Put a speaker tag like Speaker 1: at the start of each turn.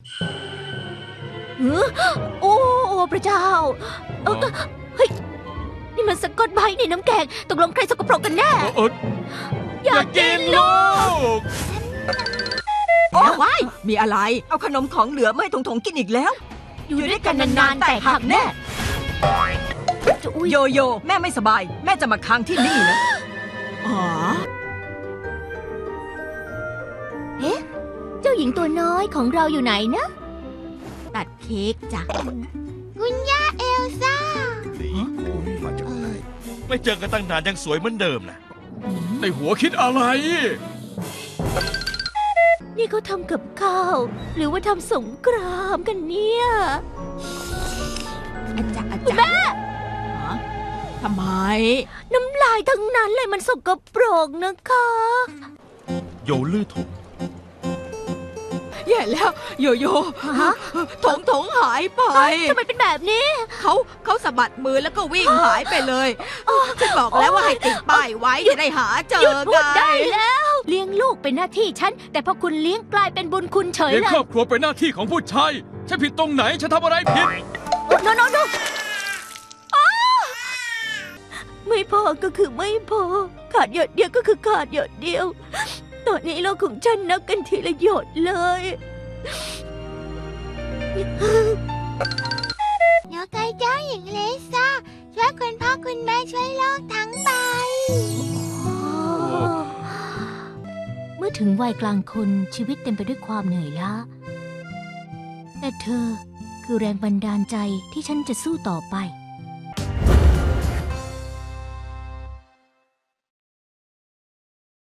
Speaker 1: โอ้พระเจ้าเฮ้ยนี่มันสะกดใบในน้ำแกงตกลงใครสกปรกกันแน่อยากกินลูก
Speaker 2: โอ้ว้ายมีอะไรเอาขนมของเหลือไม่ถงๆกินอีกแล้ว
Speaker 1: อยู่ด้วยกันนานๆแต่หักแน่
Speaker 2: โยโย่แม่ไม่สบายแม่จะมาค้างที่นี่นะอ๋อ
Speaker 1: เอ๊ะเจ้าหญิงตัวน้อยของเราอยู่ไหนนะตัดเค้กจ้ะคุณย่าเอลซ่า
Speaker 3: ไม่เจอกันตั้งนานยังสวยเหมือนเดิมนะ
Speaker 4: ในหัวคิดอะไร
Speaker 1: นี่เขาทำกับข้าวหรือว่าทำสงครามกันเนี่ย
Speaker 2: อาจารย์แม่ทำไม
Speaker 1: น้ำลายทั้งนั้นเลยมันสกปรกนะคะ
Speaker 3: โยลื่อถง
Speaker 2: แย่แล้วโยโย่ถงหายไป
Speaker 1: ทำไมเป็นแบบนี้
Speaker 2: เขาสะบัดมือแล้วก็วิ่งหายไปเลยฉันบอกแล้วว่าให้ติดป้ายไว้จะได้หาเจอ
Speaker 1: หยุดพูด
Speaker 2: ไง
Speaker 1: ได้แล้วเลี้ยงลูกเป็นหน้าที่ฉันแต่พอคุณเลี้ยงกลายเป็นบุญคุณเฉย
Speaker 4: เลี้ยง
Speaker 1: เลย
Speaker 4: ครอบครัวเป็นหน้าที่ของผู้ชายฉันผิดตรงไหนฉันทำอะไรผิด
Speaker 1: โนไม่พอก็คือไม่พอขาดหยดเดียวก็คือขาดหยดเดียวตอนนี้โลกของฉันนับกันทีละหยดเลย
Speaker 5: เดี๋ยวไกเจ้าหญิงเลซ่าช่วยคุณพ่อคุณแม่ช่วยโลกทั้งใบ
Speaker 1: เมื่อถึงวัยกลางคนชีวิตเต็มไปด้วยความเหนื่อยล้าแต่เธอคือแรงบันดาลใจที่ฉันจะสู้ต่อไป